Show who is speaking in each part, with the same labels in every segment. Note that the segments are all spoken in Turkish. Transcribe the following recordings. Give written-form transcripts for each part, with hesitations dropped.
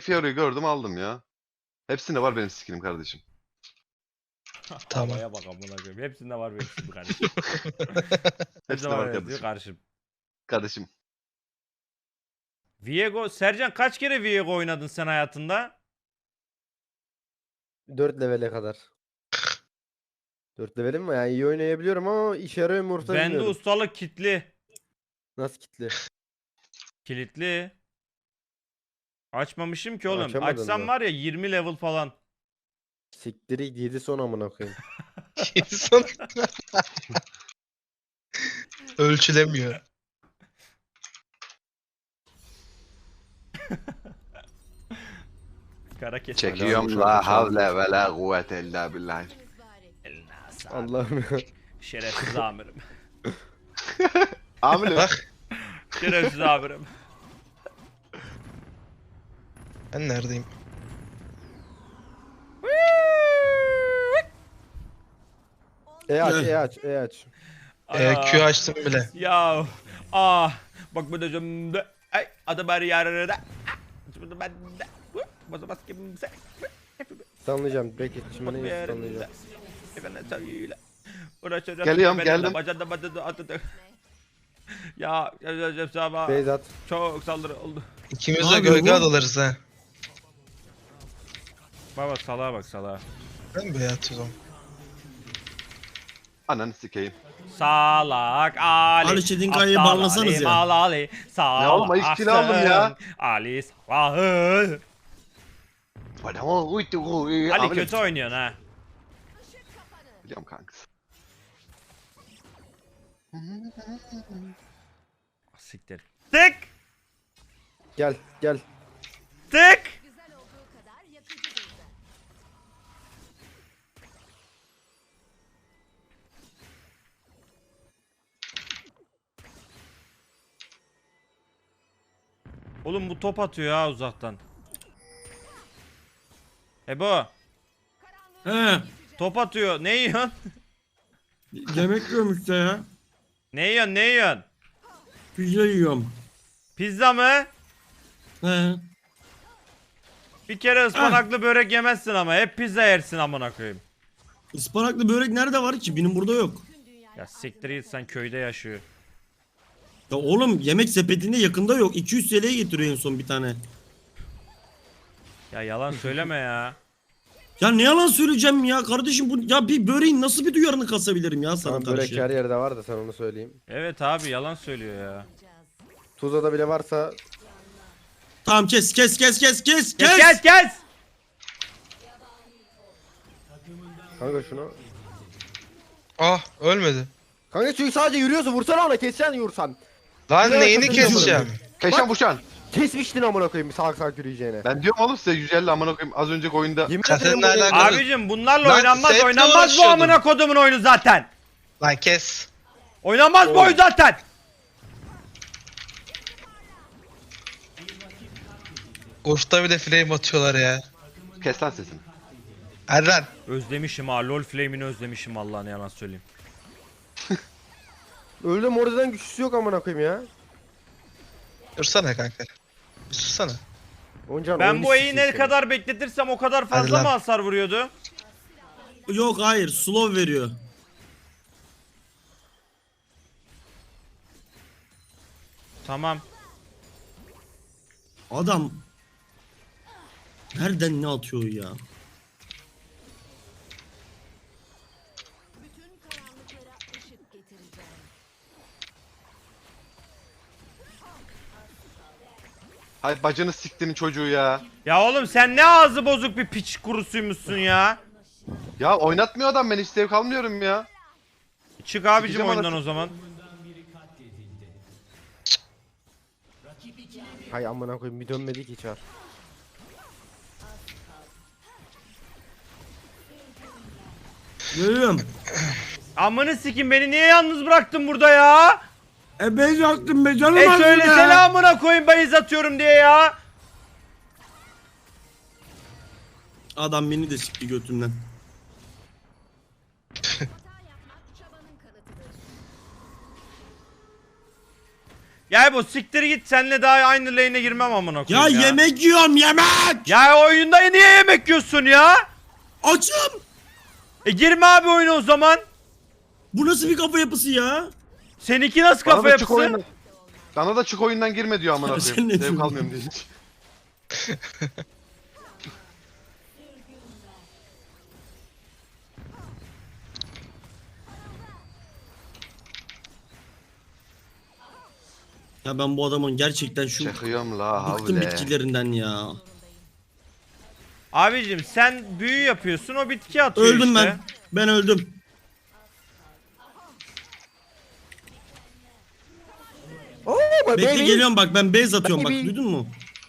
Speaker 1: Fiora'yı gördüm aldım ya. Hepsinde var benim skinim kardeşim.
Speaker 2: Tamam.
Speaker 3: Havaya bak amına koyayım. Hepsinde var benim şimdi kardeşim.
Speaker 1: Hepsinde
Speaker 3: var
Speaker 1: var
Speaker 3: evet diyor
Speaker 1: kardeşim.
Speaker 3: kardeşim.
Speaker 1: Kardeşim.
Speaker 3: Viego, Sercan kaç kere Viego oynadın sen hayatında?
Speaker 4: 4 levele kadar. 4 levelim mi? Yani iyi oynayabiliyorum ama işe yarıyor mu orta
Speaker 3: Bende
Speaker 4: bilmiyorum.
Speaker 3: ustalık kitli.
Speaker 4: Nasıl kitli?
Speaker 3: Kilitli. Açmamışım ki oğlum.
Speaker 4: Açamadın
Speaker 3: Açsam
Speaker 4: mı?
Speaker 3: var ya 20 level falan.
Speaker 4: Siktiri 7 son amına koyayım.
Speaker 2: İnsan ölçülemiyor.
Speaker 3: Kara kes.
Speaker 1: Çekiyorum la havle ve la kuvvete illa billah.
Speaker 3: Eline sağlık.
Speaker 4: Allah'ım ya.
Speaker 3: Şerefsiz amirim.
Speaker 1: Amirim.
Speaker 2: Bak
Speaker 3: Şerefsiz amirim.
Speaker 2: ben neredeyim?
Speaker 4: E aç.
Speaker 2: Q açtım bile.
Speaker 3: Ya. Bak bu da cümle. Ay adı bari yararı da. Şimdi ben de. Bozamaz kimse.
Speaker 4: Sanlayacağım. Bekle şimdi
Speaker 3: Bir
Speaker 4: neyi
Speaker 3: yerinde.
Speaker 4: sanlayacağım.
Speaker 3: Efendim söyle. Uğraşacağım.
Speaker 1: Geliyorum,
Speaker 3: Efendim,
Speaker 1: geldim.
Speaker 3: bacada atıdı. Ya sabah
Speaker 4: Beyzat.
Speaker 3: çok saldırı oldu.
Speaker 2: İkimiz
Speaker 5: Ne
Speaker 2: de
Speaker 5: yapıyor
Speaker 2: gölge
Speaker 5: bu?
Speaker 2: adalarız ha.
Speaker 3: Baba salağa bak salağa.
Speaker 2: Ben böyle atıyorum.
Speaker 1: Ananı sikeyim.
Speaker 3: Salak Ali.
Speaker 5: Ali Çetinkaya'yı
Speaker 3: aptal
Speaker 5: bağlasanız
Speaker 3: Ali,
Speaker 5: ya.
Speaker 3: Mal Ali.
Speaker 1: Ne oğlum, ayıp kill aldım ya.
Speaker 3: Ali salahı. Ali
Speaker 1: Amirim.
Speaker 3: kötü oynuyorsun ha.
Speaker 1: Biliyorum kankası.
Speaker 3: Siktir. Tık
Speaker 4: Gel.
Speaker 3: tık. Oğlum bu top atıyor ha uzaktan. Ebo
Speaker 5: He.
Speaker 3: top atıyor. Ne yiyorsun?
Speaker 5: Yemek yiyorum işte ya.
Speaker 3: Ne yiyorsun?
Speaker 5: Pizza yiyorum.
Speaker 3: Pizza mı?
Speaker 5: He.
Speaker 3: Bir kere ıspanaklı börek yemezsin ama hep pizza yersin amına koyayım.
Speaker 5: Ispanaklı börek nerede var ki? Benim burada yok.
Speaker 3: Ya siktir git sen köyde yaşıyor.
Speaker 5: Ya oğlum yemek sepetinde yakında yok. 200 TL'ye getiriyor en son bir tane.
Speaker 3: Ya yalan söyleme ya.
Speaker 5: Ya ne yalan söyleyeceğim ya kardeşim bu ya bir böreğin nasıl bir duyarını kasabilirim ya sana
Speaker 4: Tamam börek
Speaker 5: karşı.
Speaker 4: her yerde var da sen onu söyleyeyim.
Speaker 3: Evet abi yalan söylüyor ya.
Speaker 4: Tuzla'da bile varsa
Speaker 5: Tamam kes.
Speaker 3: Kes.
Speaker 4: kanka şunu.
Speaker 2: Ah ölmedi.
Speaker 4: Kanka çünkü sadece yürüyorsun vursana ona keseceksin yürürsen.
Speaker 2: Lan
Speaker 4: Ya,
Speaker 2: neyini
Speaker 4: takılacağım
Speaker 2: keseceğim?
Speaker 1: Keşan Buşan.
Speaker 4: Kesmiştin amına koyayım salak yürüyeceğine.
Speaker 1: Ben diyorum oğlum size 150 amına koyayım az önceki oyunda.
Speaker 4: Yemin
Speaker 2: Kasetle
Speaker 4: ederim bu ne-
Speaker 2: alakalı-
Speaker 3: Abicim bunlarla
Speaker 2: Lan
Speaker 3: oynanmaz
Speaker 2: setle
Speaker 3: oynanmaz bu
Speaker 2: uğraşıyordum.
Speaker 3: amına kodumun oyunu zaten.
Speaker 2: Lan kes.
Speaker 3: Oynanmaz bu oyun zaten.
Speaker 2: Koşta bile flame atıyorlar ya.
Speaker 1: Kes lan sesini.
Speaker 2: Erden.
Speaker 3: Özlemişim ha LoL Flame'ini özlemişim vallahi ne yalan söyleyeyim.
Speaker 4: Öldüm oradan güçlüsü yok amına koyayım ya.
Speaker 2: Dursana kanka. Bir sussana.
Speaker 4: Oncan
Speaker 3: Ben bu E'yi ne kadar bekletirsem o kadar
Speaker 2: Hadi
Speaker 3: fazla
Speaker 2: lan.
Speaker 3: mı hasar vuruyordu?
Speaker 5: Yok hayır slow veriyor.
Speaker 3: Tamam.
Speaker 5: Adam nereden ne atıyor ya?
Speaker 6: Bütün karanlıklara ışık getireceğim.
Speaker 1: Hay bacını siktiğinin çocuğu ya.
Speaker 3: Ya oğlum sen ne ağzı bozuk bir piç kurusuymuşsun ya.
Speaker 1: Ya oynatmıyor adam ben hiç zevk almıyorum ya.
Speaker 3: Çık abicim
Speaker 1: Sikeceğim
Speaker 3: oyundan
Speaker 1: anasını.
Speaker 3: o zaman.
Speaker 4: Hay amına koyayım bir dönmedi ki çar.
Speaker 5: Görüyorum.
Speaker 3: Amını sikim beni niye yalnız bıraktın burada ya?
Speaker 5: Ben yaktım be canım
Speaker 3: E söylesene amına koyayım bayız atıyorum diye ya.
Speaker 5: Adam beni de sikti götümden.
Speaker 6: Hata yapmak çabanın kanıtıdır.
Speaker 3: Gel bu siktir git, senle daha aynı lane'e girmem amına
Speaker 5: Ya
Speaker 3: koyayım ya.
Speaker 5: yemek yiyorum yemek.
Speaker 3: Ya oyunda niye yemek yiyorsun ya?
Speaker 5: Açım.
Speaker 3: Girme abi oyuna o zaman.
Speaker 5: Bu nasıl bir kafa yapısı ya?
Speaker 3: Seninki nasıl
Speaker 1: Bana
Speaker 3: kafa
Speaker 1: da çık
Speaker 3: yapısı?
Speaker 1: oyundan. Bana da çık oyundan girme diyor amına
Speaker 5: Sen
Speaker 1: koyayım.
Speaker 5: ne
Speaker 1: Zevk
Speaker 5: diyorsun?
Speaker 1: almıyorum diye.
Speaker 5: Ya ben bu adamın gerçekten şu
Speaker 1: Çakıyorum la
Speaker 5: bıktım
Speaker 1: havle.
Speaker 5: bitkilerinden ya.
Speaker 3: Abicim sen büyü yapıyorsun, o bitki atıyor
Speaker 5: Öldüm
Speaker 3: işte.
Speaker 5: ben. Ben öldüm.
Speaker 4: Oh my
Speaker 5: Bekle
Speaker 4: baby.
Speaker 5: geliyorum bak, ben base atıyorum bak,
Speaker 4: Baby.
Speaker 5: duydun mu?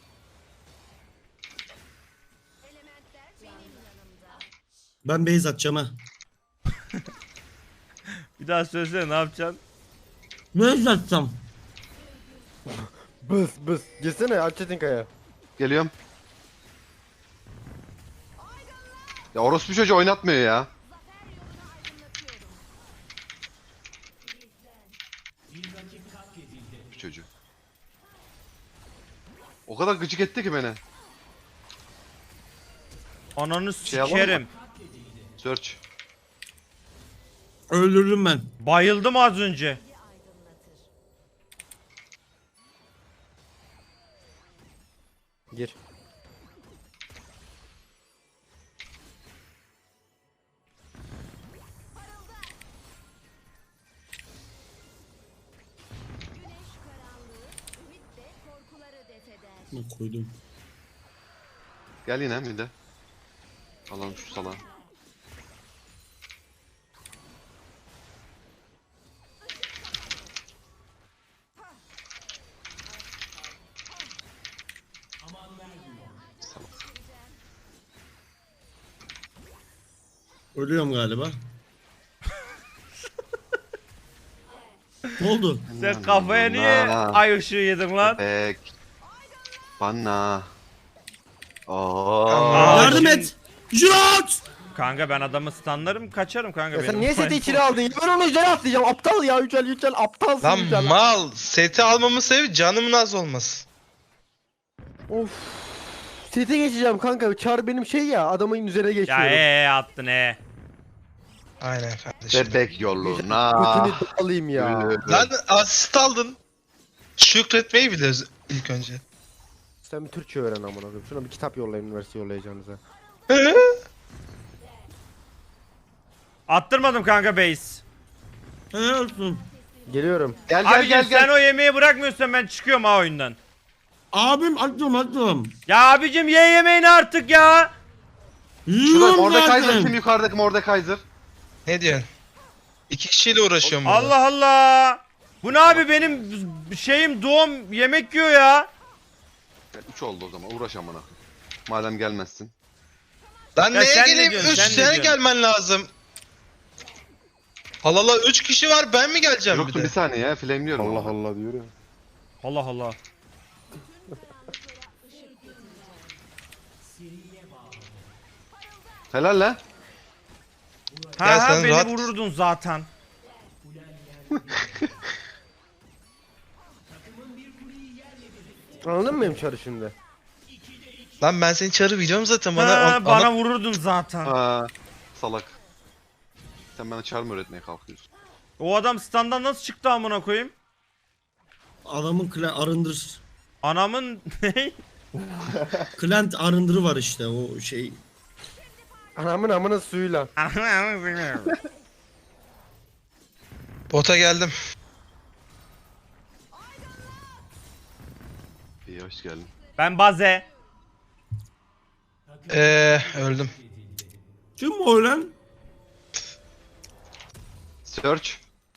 Speaker 5: Ben base atacağım ha.
Speaker 3: Bir daha söylesene, ne yapacaksın?
Speaker 5: Base atacağım.
Speaker 4: Bıs bıs. Girsene Alçetinkaya.
Speaker 1: Geliyorum. Ya orospu çocuğu oynatmıyor ya. Çocuk. O kadar gıcık etti ki beni.
Speaker 3: Ananı
Speaker 1: Şey yapalım
Speaker 3: sikerim.
Speaker 1: Search.
Speaker 5: Öldürdüm ben.
Speaker 3: Bayıldım az önce.
Speaker 4: Gir.
Speaker 6: Güneş karanlığı, ümit de korkuları defeder.
Speaker 5: Bak koydum.
Speaker 1: Gel yine bir de. Alalım şu salağı.
Speaker 5: Ölüyorum galiba. Ne oldu?
Speaker 3: Sen kafaya niye ay ışığı yedin lan?
Speaker 1: Bek. Bana.
Speaker 3: Aa,
Speaker 5: Yardım
Speaker 3: şimdi-
Speaker 5: et. Jot!
Speaker 3: Kanka ben adamı stunlarım, kaçarım kanka
Speaker 4: Ya
Speaker 3: benim.
Speaker 4: sen niye seti içine aldın? Ya ben onu üzerine atlayacağım. Aptal ya Yücel aptalsın
Speaker 2: Lan
Speaker 4: Yücel.
Speaker 2: mal. Seti almamın sebebi canımın az olması.
Speaker 4: Of. Sete geçeceğim kanka. Çar benim şey ya. Adamın üzerine
Speaker 3: Ya
Speaker 4: geçiyorum.
Speaker 3: attın
Speaker 2: Aynen kardeşim.
Speaker 1: Bebek yoluna.
Speaker 4: Götünü alayım ya.
Speaker 2: Lan asist aldın. Şükretmeyi biliyoruz ilk önce.
Speaker 4: Sen bir Türkçe öğren amına koyayım. Şuna bir kitap yollayın üniversite yollayacağınıza.
Speaker 3: Attırmadım kanka base.
Speaker 5: Helal olsun.
Speaker 4: Geliyorum.
Speaker 1: Gel gel
Speaker 3: Abicim
Speaker 1: gel
Speaker 3: sen
Speaker 1: gel.
Speaker 3: o yemeği bırakmıyorsan ben çıkıyorum ha oyundan.
Speaker 5: Abim attım.
Speaker 3: Ya abicim ye yemeğini artık ya.
Speaker 1: Şurada
Speaker 5: Yiyorum
Speaker 1: Mordekaiser
Speaker 5: zaten.
Speaker 1: kim, yukarıdaki Mordekaiser?
Speaker 2: Ne diyorsun? İki kişiyle uğraşıyorum burada.
Speaker 3: Allah Allah. Bu ne abi, benim şeyim doğum yemek yiyor ya.
Speaker 1: 3 oldu o zaman, uğraş amına. Madem gelmezsin.
Speaker 2: Lan
Speaker 3: Ya
Speaker 2: neye
Speaker 3: sen ne
Speaker 2: geleyim?
Speaker 3: diyorsun,
Speaker 2: 3
Speaker 3: sen ne
Speaker 2: sene
Speaker 3: diyorsun?
Speaker 2: gelmen lazım. Halala 3 kişi var, ben mi geleceğim bir
Speaker 1: Yoktu
Speaker 2: de?
Speaker 1: bir saniye ya, flameliyorum.
Speaker 4: Allah Allah diyor ya.
Speaker 3: Allah Allah.
Speaker 1: Helal lan.
Speaker 3: Ha
Speaker 2: Ya
Speaker 3: ha,
Speaker 2: sen
Speaker 3: beni
Speaker 2: rahat-
Speaker 3: vururdun zaten.
Speaker 4: Anladın mı benim çarı şimdi?
Speaker 2: Lan ben senin çarı biliyorum zaten bana.
Speaker 3: Ha, bana vururdun zaten.
Speaker 1: Ha, salak. Sen bana çar mı öğretmeye kalkıyorsun?
Speaker 3: O adam standdan nasıl çıktı amına koyayım?
Speaker 5: Adamın arındır.
Speaker 3: Anamın ne?
Speaker 5: Client arındırı var işte o şey.
Speaker 4: Anamın amına suyuyla.
Speaker 2: Bota geldim.
Speaker 1: İyi, hoş geldin.
Speaker 3: Ben baze.
Speaker 2: Öldüm.
Speaker 5: Kim o lan?
Speaker 1: Search.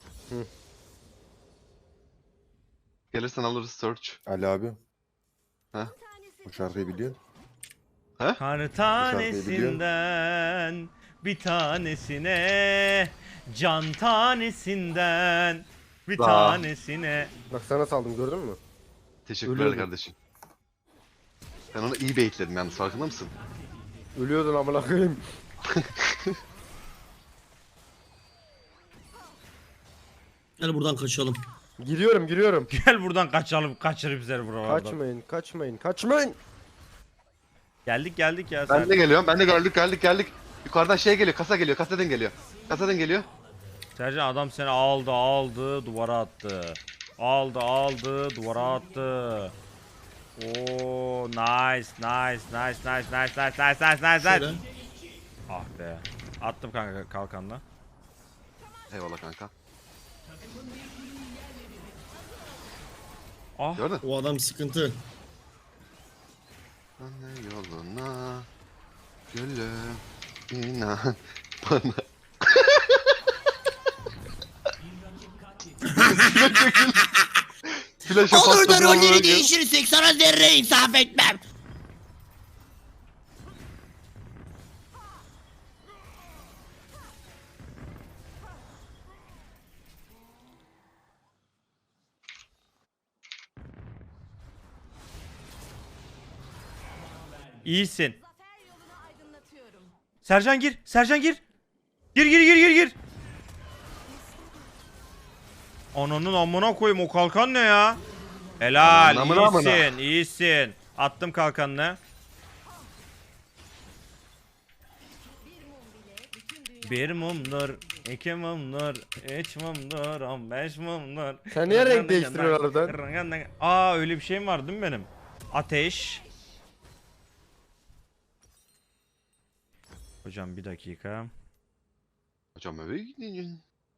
Speaker 1: Gelirsen alırız Search.
Speaker 7: Ali abi.
Speaker 1: Ha?
Speaker 7: Bu şarkıyı biliyorsun.
Speaker 3: Kar tanesinden bir tanesine, can tanesinden bir
Speaker 1: Aa.
Speaker 3: tanesine.
Speaker 4: Bak sana saldım gördün mü?
Speaker 1: Teşekkürler
Speaker 4: Ölüyordum.
Speaker 1: kardeşim. Ben onu iyi baitledim yalnız, farkında mısın?
Speaker 4: Ölüyordun amına koyayım.
Speaker 5: Gel buradan kaçalım.
Speaker 4: Giriyorum.
Speaker 3: Gel buradan kaçalım. Kaçırayım seni buralardan.
Speaker 4: Kaçmayın.
Speaker 3: Geldik ya.
Speaker 1: Ben de geliyorum. Ben de geldik. Yukarıdan şey geliyor. Kasa geliyor. Kasadan geliyor.
Speaker 3: Sercan adam seni aldı duvara attı. Aldı duvara attı. Oo nice.
Speaker 5: Şöyle.
Speaker 3: Ah be. Attım kanka kalkanla.
Speaker 1: Eyvallah kanka.
Speaker 3: Ah.
Speaker 1: Gördün?
Speaker 5: O adam sıkıntı.
Speaker 1: Anne yoluna gülüm inan bana. Flash
Speaker 5: Olur da rolleri değişirirsek sana zerre insaf etmem.
Speaker 3: İyisin.
Speaker 6: Zafer yolunu aydınlatıyorum.
Speaker 3: Sercan gir. Gir. Ananın amına koyayım o kalkan ne ya? Helal
Speaker 1: Amına.
Speaker 3: iyisin. Attım kalkanını. Bir mumdur, iki mumdur, üç mumdur, 15 mumdur.
Speaker 4: Sen niye renk değiştiriyorsun oradan?
Speaker 3: Aa öyle bir şeyim var değil mi benim? Ateş. Hocam bir dakika.
Speaker 1: Hocam eve gidin.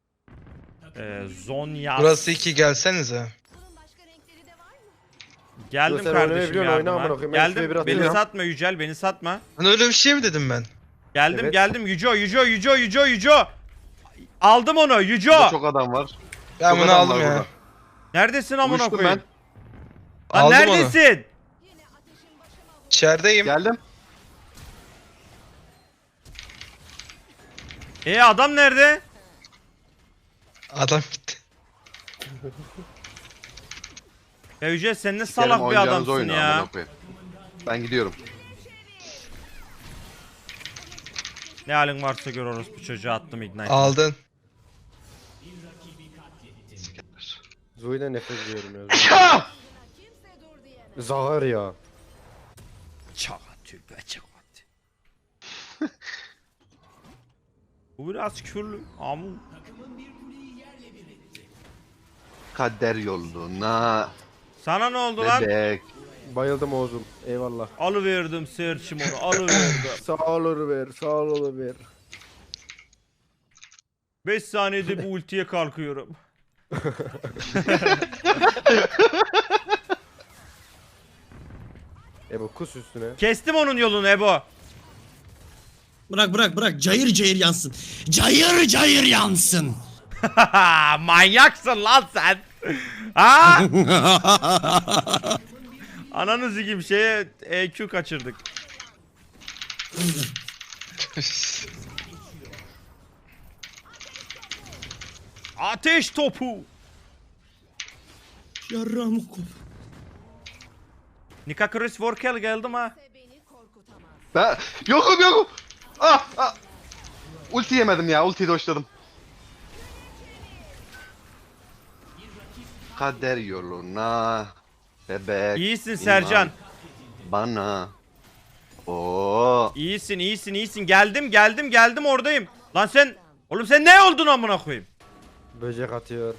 Speaker 3: Zonya.
Speaker 2: Burası 2 gelsenize.
Speaker 6: Bunun başka renkleri de var mı?
Speaker 3: Geldim
Speaker 4: Sen
Speaker 3: kardeşim
Speaker 4: oynayabiliyorsun, oyna amına
Speaker 3: yardıma.
Speaker 4: koyayım. Ben şuraya
Speaker 3: Geldim.
Speaker 4: biraz
Speaker 3: Beni
Speaker 4: oynayayım.
Speaker 3: satma Yücel, beni satma.
Speaker 2: Hani öyle bir şey mi dedim ben?
Speaker 3: Geldim
Speaker 4: Evet.
Speaker 3: geldim Yüco. Aldım onu
Speaker 1: Burada
Speaker 3: Yüco.
Speaker 1: çok adam var.
Speaker 2: Ben
Speaker 1: Çok
Speaker 2: bunu
Speaker 1: adam
Speaker 2: aldım
Speaker 1: var
Speaker 2: ya.
Speaker 1: burada.
Speaker 3: Neredesin amına
Speaker 1: Uyuştum
Speaker 3: koyayım? Lan
Speaker 2: Aldım onu.
Speaker 3: neredesin?
Speaker 6: Yine ateşin başına
Speaker 2: İçerideyim.
Speaker 1: Geldim.
Speaker 3: Adam nerede?
Speaker 2: Adam gitti.
Speaker 3: Ya Yücel sen ne
Speaker 1: Gelin
Speaker 3: salak bir
Speaker 1: oynayacağınız
Speaker 3: adamsın
Speaker 1: oyunu,
Speaker 3: ya.
Speaker 1: amına koyayım. Ben gidiyorum.
Speaker 3: Ne halin varsa gör orospu çocuğu attım ignite.
Speaker 2: Aldın.
Speaker 4: Zoe'den nefret ediyorum ya.
Speaker 1: Ya!
Speaker 6: kimse dur diyemez.
Speaker 4: Zahar ya.
Speaker 3: Çakat. Bu biraz küfürlü. Amun.
Speaker 1: Kader yoluna
Speaker 3: Sana ne oldu lan?
Speaker 1: bebek.
Speaker 4: Bayıldım Oğuz'um. Eyvallah.
Speaker 3: Alıverdim search'im onu alıverdim.
Speaker 4: Sağ olur ver.
Speaker 3: 5 saniyede bu ultiye kalkıyorum.
Speaker 4: Ebo kus üstüne.
Speaker 3: Kestim onun yolunu Ebo.
Speaker 5: Bırak. Cayır yansın. Cayır yansın.
Speaker 3: Manyaksın lan sen. Ha? Ananı sikeyim şeye EQ kaçırdık. Ateş topu.
Speaker 5: Yarramı kop.
Speaker 3: Nika Chris Vorkel geldim ha.
Speaker 6: Kimse beni korkutamaz.
Speaker 1: Ben yokum. Ah. Ulti yemedim ya. Ultiyi doşladım. Kader yoluna bebek.
Speaker 3: İyisin
Speaker 1: inan
Speaker 3: Sercan.
Speaker 1: Bana. Oo.
Speaker 3: İyisin. Geldim oradayım. Lan sen oğlum sen ne oldun amına koyayım?
Speaker 4: Böcek atıyor.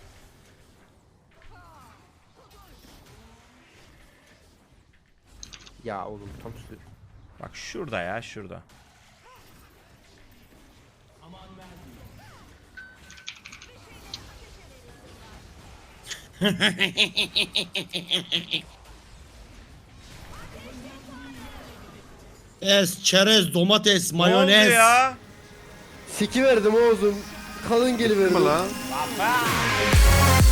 Speaker 4: Ya oğlum tam üstü.
Speaker 3: Bak şurada ya şurada.
Speaker 5: Çerez, domates,
Speaker 3: Ne oldu
Speaker 5: mayonez.
Speaker 3: ya?
Speaker 4: Siki verdim Oğuz'um. Kalın geliverdim.
Speaker 1: Mı lan?